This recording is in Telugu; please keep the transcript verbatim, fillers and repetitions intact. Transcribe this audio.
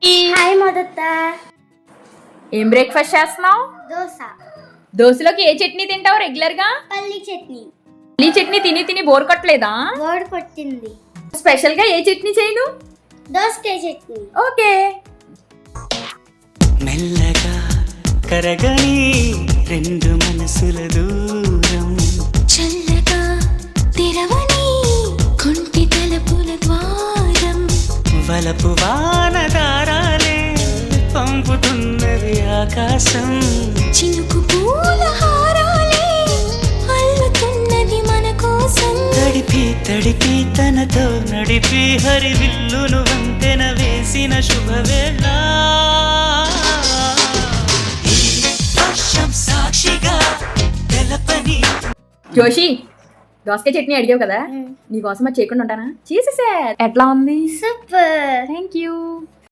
హాయ్ మొదట ఏం బ్రేక్ఫాస్ట్ చేస్తున్నావు? దోశ. దోశలోకి ఏ చట్నీ తింటావు రెగ్యులర్ గా? పల్లి చట్నీ. పల్లి చట్నీ తిని తిని బోర్ కొట్టలేదా? బోర్ కొట్టింది. స్పెషల్ గా ఏ చట్నీ చేయను? దోసకాయ చట్నీ. ఓకే. మెల్లగా కరగని రెండు మనసుల దూరం, చల్లగా తెరవని కొంటి తలుపుల ద్వారం, వలపు వాన దారాలే పంపుతున్నది ఆకాశం, చినుకు పూల హారాలే అల్లుతున్నది మన కోసం, తడిపి తడిపి తనతో నడిపి హరివిల్లును వంతెన వేసిన శుభవేళ, ఈ వర్షం సాక్షిగా తెలపని. జోషి, దోసకాయ చట్నీ అడిగావు కదా, నీ కోసం అది చేయకుండా ఉంటానా? చేసేసా. ఎట్లా ఉంది? సూపర్. Thank you.